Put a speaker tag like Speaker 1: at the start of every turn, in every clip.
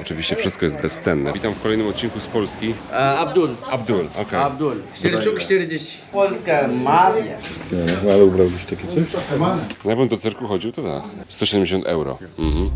Speaker 1: Oczywiście wszystko jest bezcenne. Witam w kolejnym odcinku z Polski.
Speaker 2: Abdul.
Speaker 1: Abdul, okej.
Speaker 2: Abdul. 4 sztuk 40. Polska mafia.
Speaker 3: No, ale ubrałbyś takie coś?
Speaker 1: No, jakbym do cyrku chodził, to tak. 170 euro. Mhm.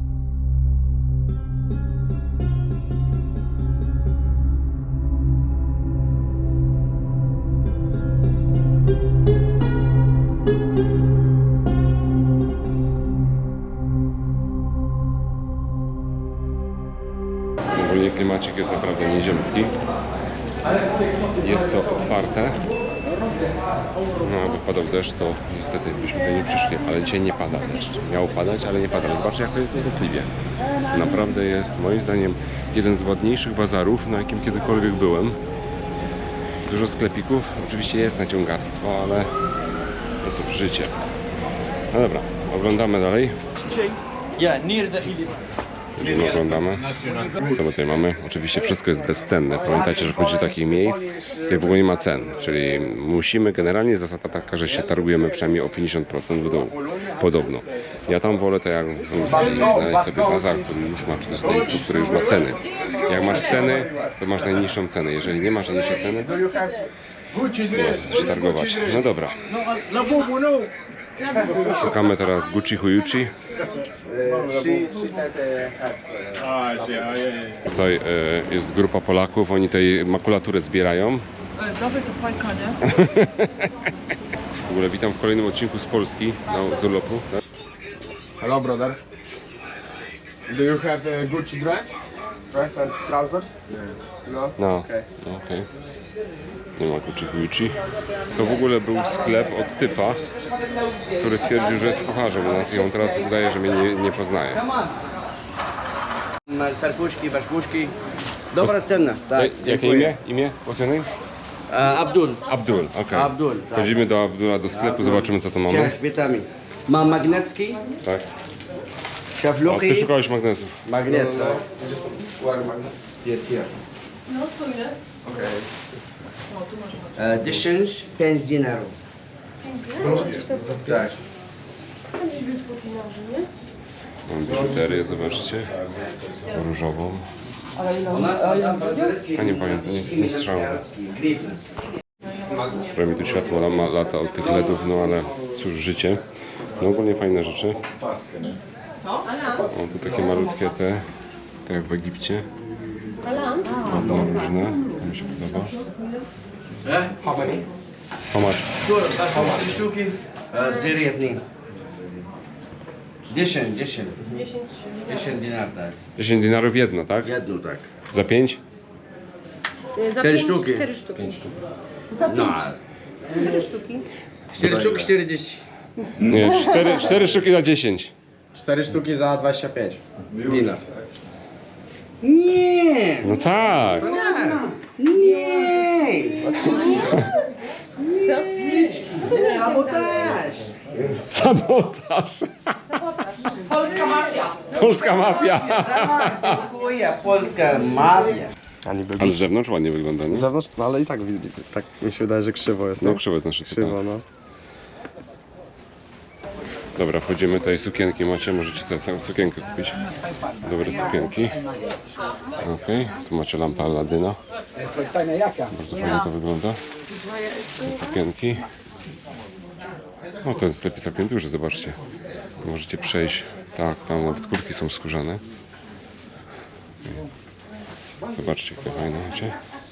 Speaker 1: Ogólnie klimacik jest naprawdę nieziemski. Jest to otwarte. No, jakby padał deszcz, to niestety byśmy tutaj nie przyszli, ale dzisiaj nie pada deszcz. Miało padać, ale nie pada. Zobaczcie, jak to jest urokliwie. Naprawdę jest, moim zdaniem, jeden z ładniejszych bazarów, na jakim kiedykolwiek byłem. Dużo sklepików, oczywiście jest naciągarstwo, ale no cóż, życie. No dobra, oglądamy dalej.
Speaker 2: Yeah, near the elephant.
Speaker 1: Już oglądamy. Co my tutaj mamy? Oczywiście wszystko jest bezcenne. Pamiętajcie, że wchodzi do takich miejsc, gdzie w ogóle nie ma cen. Czyli musimy, generalnie zasada taka, że się targujemy przynajmniej o 50% w dół. Podobno. Ja tam wolę to jak w Turcji, znaleźć sobie bazar, który już ma, czy to stoisko, które już ma ceny. Jak masz ceny, to masz najniższą cenę. Jeżeli nie masz najniższej ceny, to możesz się targować. No dobra. Szukamy teraz Gucci Huyuchi. Tutaj jest grupa Polaków, oni tej makulaturę zbierają. W ogóle witam w kolejnym odcinku z Polski, z urlopu.
Speaker 3: Hello brother. Do you have a Gucci dress? Dress and trousers? No.
Speaker 1: No,
Speaker 3: Okay.
Speaker 1: okej. Nie ma Gucci Huyuchi. To w ogóle był sklep od typa, który twierdził, że jest kucharzem u nas i on teraz udaje, że mnie nie poznaje.
Speaker 2: Karpuszki, baszpuszki. Dobra cena. Tak,
Speaker 1: Jakie
Speaker 2: dziękuję.
Speaker 1: imię? Imię? What's your name?
Speaker 2: Abdul.
Speaker 1: Abdul, okej.
Speaker 2: Abdul, tak.
Speaker 1: Chodzimy do Abdula do sklepu, zobaczymy co to mamy.
Speaker 2: Cześć, witamy. Mam magnecki,
Speaker 1: Tak. O,
Speaker 2: szafluki.
Speaker 1: ty szukałeś magnesów.
Speaker 2: Magnet.
Speaker 3: Jest here.
Speaker 4: No to ile?
Speaker 3: Okay.
Speaker 2: 10, 5 dinarów.
Speaker 4: Gdzieś tam
Speaker 3: Tak.
Speaker 4: gdzieś by podinarzy, nie?
Speaker 1: Mam biżuterię, zobaczcie. Różową.
Speaker 2: U nas tam
Speaker 1: A nie pamiętam, nie słyszałem. Prawie mi tu światło lata od tych LEDów, no ale cóż, życie. No ogólnie fajne rzeczy.
Speaker 4: Co? Alan?
Speaker 1: O, tu takie malutkie te, tak jak w Egipcie.
Speaker 4: Alan?
Speaker 1: Ładne, różne. To mi się podoba.
Speaker 2: How many?
Speaker 1: How much?
Speaker 2: Tu, baszpuszki, sztuki. Zerietni. 10
Speaker 4: 10.
Speaker 2: dinar, tak.
Speaker 1: 10 dinarów jedno, tak?
Speaker 2: Jedno, tak.
Speaker 1: Za 5?
Speaker 4: Za
Speaker 2: 4
Speaker 4: pięć,
Speaker 2: sztuki.
Speaker 4: 4 sztuki. Za 5.
Speaker 2: No,
Speaker 4: 4 sztuki.
Speaker 2: 4 sztuki 40.
Speaker 1: Nie, 4 sztuki za 10.
Speaker 3: 4 sztuki za 25.
Speaker 2: Dinar. Nie!
Speaker 1: No tak.
Speaker 2: Nie!
Speaker 4: Co?
Speaker 2: Sabotaż!
Speaker 1: Sabotaż.
Speaker 4: Polska mafia.
Speaker 1: Polska mafia.
Speaker 2: Tak, dziękuję, polska mafia.
Speaker 3: A niby
Speaker 1: Ale z zewnątrz ładnie wygląda, nie?
Speaker 3: z zewnątrz, no ale i tak, tak mi się wydaje, że krzywo jest.
Speaker 1: No
Speaker 3: nie?
Speaker 1: krzywo jest nasze
Speaker 3: Krzywo, no.
Speaker 1: Dobra, wchodzimy tutaj, sukienki macie, możecie sobie samą sukienkę kupić. Dobre sukienki. Okej, tu macie lampę Aladyna. Bardzo fajnie to wygląda. Te sukienki. O, ten sklep jest całkiem duży, zobaczcie. Tu możecie przejść. Tak, tam nawet kurtki są skórzane. Zobaczcie, jakie fajne macie.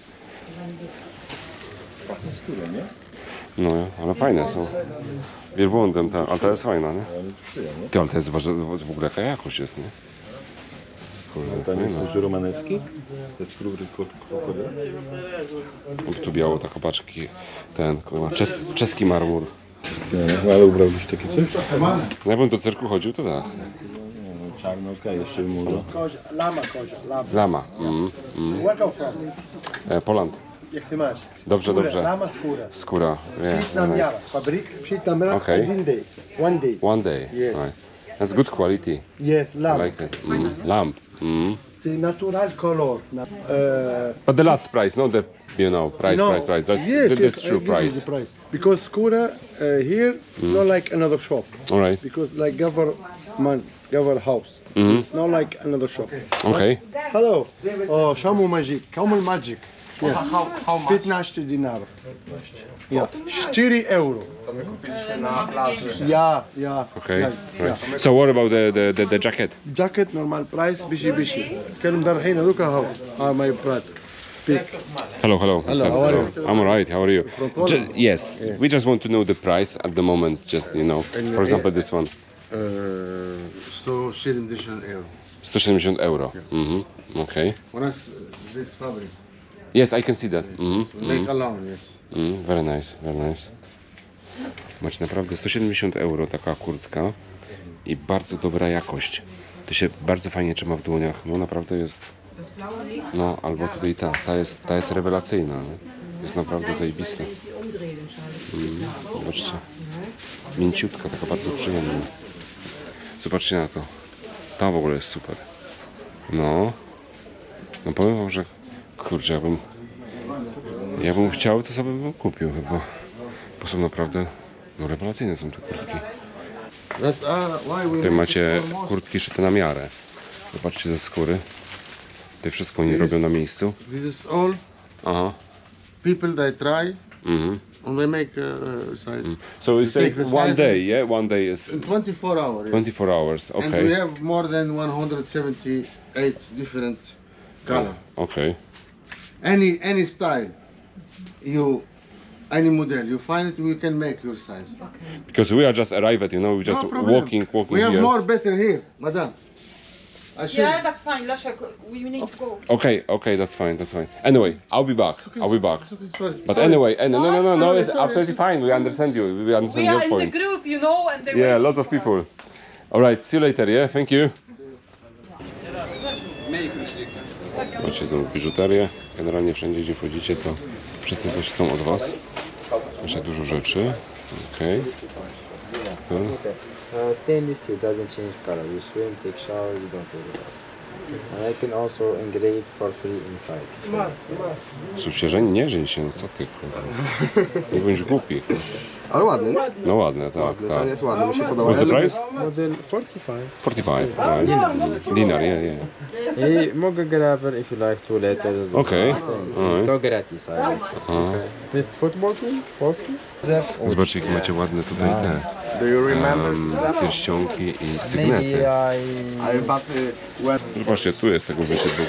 Speaker 1: No, ale fajne są. Wielbłądem, tak, ale to jest fajna, nie? Ty, ale to jest w ogóle jaka jakość jest, nie? Kurde,
Speaker 5: To nie
Speaker 1: fajna.
Speaker 5: jest coś romanecki? To jest skóry krokodyla?
Speaker 1: Tu biało, tak opaczki, ten, kurwa, czeski marmur.
Speaker 5: No, ale ubrałbyś takie coś?
Speaker 1: No, jakbym do cyrku chodził, to tak.
Speaker 5: Czarno, okej, jeszcze młodo.
Speaker 1: Lama.
Speaker 6: Where come from?
Speaker 1: Poland.
Speaker 6: Jak się masz?
Speaker 1: Dobrze,
Speaker 6: Skóra,
Speaker 1: dobrze.
Speaker 6: Lama skóra.
Speaker 1: Skóra. Yeah,
Speaker 6: Psit nam
Speaker 1: nice.
Speaker 6: jara. Fabryk, psit nam jara.
Speaker 1: Okay.
Speaker 6: One day. One day.
Speaker 1: One day.
Speaker 6: Yes.
Speaker 1: Right. That's good quality.
Speaker 6: Yes,
Speaker 1: I
Speaker 6: lamb.
Speaker 1: like it. Lamp.
Speaker 6: The natural color.
Speaker 1: But the last price, not the, price. That's
Speaker 6: yes,
Speaker 1: the
Speaker 6: yes,
Speaker 1: true
Speaker 6: I give you
Speaker 1: price.
Speaker 6: the price. Because skóra here, not like another shop.
Speaker 1: All right.
Speaker 6: Because like government our house.
Speaker 1: Mhm.
Speaker 6: It's not like another shop.
Speaker 1: Okej.
Speaker 6: Hello. Oh, Shamu Magic. Camel Magic. Yeah.
Speaker 2: How much?
Speaker 6: 15 dinarów. Yeah. 4 euro.
Speaker 3: Na plaży.
Speaker 6: Yeah, yeah.
Speaker 1: Okay.
Speaker 6: Yeah,
Speaker 1: Right.
Speaker 6: yeah.
Speaker 1: So what about the jacket?
Speaker 6: Jacket normal price bishi. كلم دار حين هذوك هاو. My brother. Speak.
Speaker 1: Hello, hello.
Speaker 6: Hello, how are you?
Speaker 1: I'm alright. How are you?
Speaker 6: From Poland?
Speaker 1: Yes. We just want to know the price at the moment. Just you know, for example, this one,
Speaker 7: 170 euro.
Speaker 1: 170 euro. Mhm. Okay.
Speaker 7: U nas this fabric.
Speaker 1: Yes, I can see that. Mhm.
Speaker 7: Make alone, yes.
Speaker 1: Very nice, very nice. Macie naprawdę 170 euro taka kurtka i bardzo dobra jakość. To się bardzo fajnie trzyma w dłoniach. No naprawdę jest. No albo tutaj ta jest rewelacyjna. Nie? Jest naprawdę zajebista. Zobaczcie. Mięciutka, taka bardzo przyjemna. Zobaczcie na to. Ta w ogóle jest super. No. No powiem wam, że kurczę, ja bym chciał, to sobie bym kupił chyba. Bo są naprawdę, no rewelacyjne są te kurtki.
Speaker 7: That's why we
Speaker 1: Tutaj macie kurtki szyte na miarę. Zobaczcie ze skóry. Tutaj wszystko oni robią na miejscu.
Speaker 7: This is all
Speaker 1: Aha.
Speaker 7: people they try
Speaker 1: Mhm.
Speaker 7: and they make size.
Speaker 1: So it's
Speaker 7: take
Speaker 1: like
Speaker 7: the
Speaker 1: one
Speaker 7: size
Speaker 1: day, yeah? One day is
Speaker 7: In 24 hours. Yes.
Speaker 1: 24 hours,
Speaker 7: And we
Speaker 1: okay.
Speaker 7: have more than 178 different color.
Speaker 1: Okay.
Speaker 7: Any style, any model you find it, we can make your size.
Speaker 1: Because we are just arrived, you know, we just
Speaker 7: No problem.
Speaker 1: walking
Speaker 7: We have
Speaker 1: here.
Speaker 7: more better here, madam. I should.
Speaker 4: Yeah, that's fine. Leszek, we need to go.
Speaker 1: Okay, that's fine. Anyway, I'll be back. I'll be back.
Speaker 7: Sorry.
Speaker 1: But anyway, no, it's
Speaker 7: sorry,
Speaker 1: absolutely fine. We understand you. We understand
Speaker 4: We
Speaker 1: your
Speaker 4: are in the
Speaker 1: point.
Speaker 4: group, you know, and they
Speaker 1: Yeah,
Speaker 4: wait
Speaker 1: lots of
Speaker 4: for us.
Speaker 1: people. All right, see you later. Yeah, thank you. Macie tą biżuterię. Generalnie wszędzie, gdzie wchodzicie, to wszyscy coś chcą od was. Macie dużo rzeczy. Okej. To.
Speaker 8: Stainless steel doesn't change color. You swim, take shower, you don't worry about it. And I can also engrave for free inside.
Speaker 1: Słuchajcie, że nie żeń się, co ty kurwa. Nie bądź głupi.
Speaker 3: Ale ładny, nie?
Speaker 1: No ładne, tak,
Speaker 3: Ten
Speaker 1: tak.
Speaker 3: jest ładny, mi się podoba.
Speaker 1: What's the price?
Speaker 8: Model 45.
Speaker 1: 45, right. Dinar, yeah.
Speaker 8: I mogę graver if you like 2 letters.
Speaker 1: Okej.
Speaker 8: To gratis. Ale. To jest football team? Polski?
Speaker 1: Zobaczcie, jakie macie ładne tutaj te
Speaker 3: Do you remember?
Speaker 1: pierścionki i
Speaker 8: Maybe
Speaker 1: sygnety.
Speaker 3: Ale but when
Speaker 1: Zobaczcie, tu jest tego wysypu.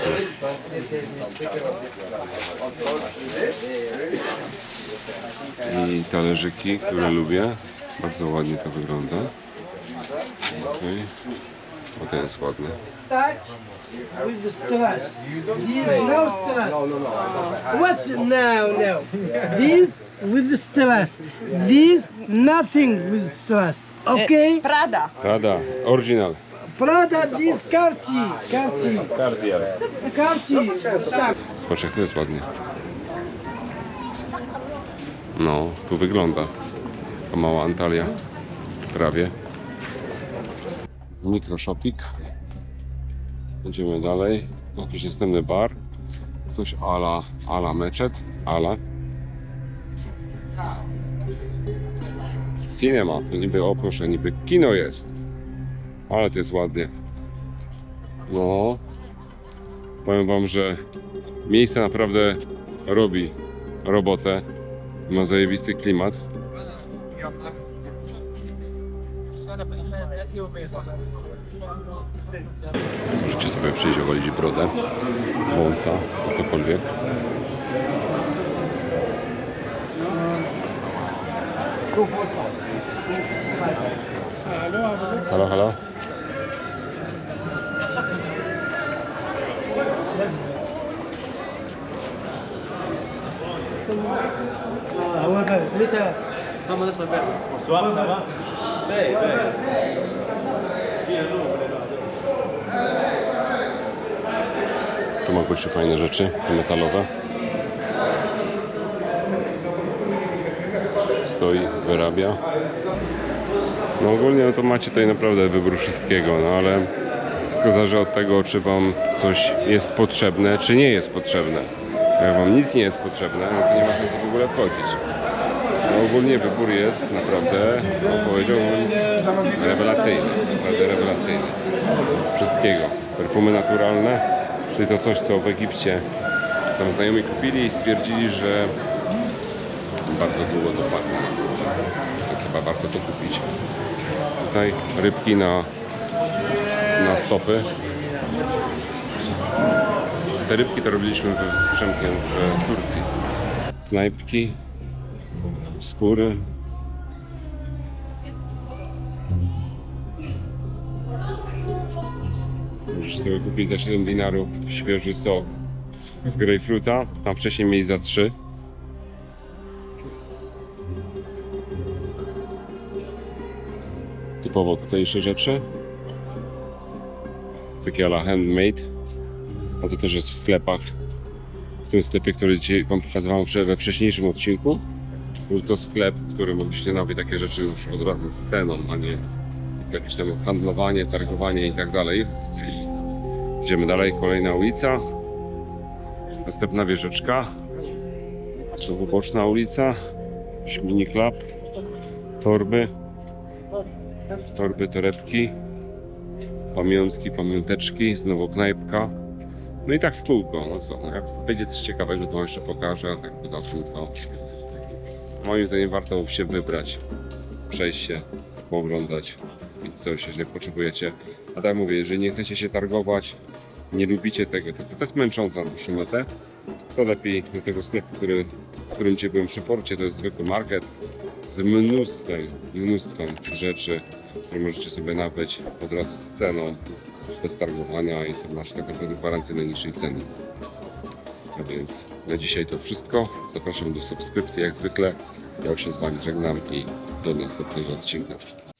Speaker 1: I talerzyki, które lubię. Bardzo ładnie to wygląda. Okay. O, to jest ładne.
Speaker 9: With the stress. These no stress. What's no? These with the stress. These nothing with stress. Okay?
Speaker 4: Prada.
Speaker 1: Prada, oryginal.
Speaker 9: Prada, these Cartier. Tak.
Speaker 1: Zobacz, jak to jest ładnie. No, tu wygląda. To mała Antalya. Prawie. Mikroshopik. Idziemy dalej. Jakiś następny bar. Coś ala meczet. Ala. Cinema. To niby, o proszę, niby kino jest. Ale to jest ładnie. No. Powiem wam, że miejsce naprawdę robi robotę. Ma zajebisty klimat. Możecie sobie przyjść ogolić brodę, wąsa, cokolwiek. Halo, halo. Tu ma gościu fajne rzeczy, te metalowe. Stoi, wyrabia. No ogólnie to macie tutaj naprawdę wybór wszystkiego, no ale wszystko zależy od tego, czy wam coś jest potrzebne, czy nie jest potrzebne. Jak wam nic nie jest potrzebne, no to nie ma sensu w ogóle wchodzić. No ogólnie wybór jest naprawdę, no powiedziałbym, rewelacyjny, naprawdę rewelacyjny. wszystkiego. Perfumy naturalne, czyli to coś, co w Egipcie tam znajomi kupili i stwierdzili, że bardzo długo to pachnie na skórze. Więc chyba warto to kupić. Tutaj rybki na stopy. Te rybki to robiliśmy z Przemkiem w Turcji. Knajpki, skóry. Możesz sobie kupić za 7 dinarów świeży sok z grejpfruta. Tam wcześniej mieli za 3. Typowo tutejsze rzeczy. Takie ala handmade. A to też jest w sklepach. W tym sklepie, który dzisiaj wam pokazywałem we wcześniejszym odcinku. Był to sklep, w którym mogliście nabyć takie rzeczy już od razu z ceną, a nie jakieś tam handlowanie, targowanie i tak dalej. Idziemy dalej, kolejna ulica. Następna wieżyczka. Znowu boczna ulica. Mini club. Torby. Torby, torebki. Pamiątki, pamiąteczki. Znowu knajpka. No i tak w kółko. No co, no jak będzie coś ciekawego, to jeszcze pokażę. A tak na kółko. Moim zdaniem warto się wybrać. Przejść się, pooglądać. I coś, jeżeli potrzebujecie. A tak mówię, jeżeli nie chcecie się targować, nie lubicie tego, to jest męcząca na dłuższą metę, to lepiej do tego sklepu, w którym dzisiaj byłem przy porcie, to jest zwykły market z mnóstwem rzeczy, które możecie sobie nabyć od razu z ceną, bez targowania i to macie tak naprawdę gwarancję najniższej ceny. A więc na dzisiaj to wszystko. Zapraszam do subskrypcji jak zwykle. Ja już się z Wami żegnam i do następnego odcinka.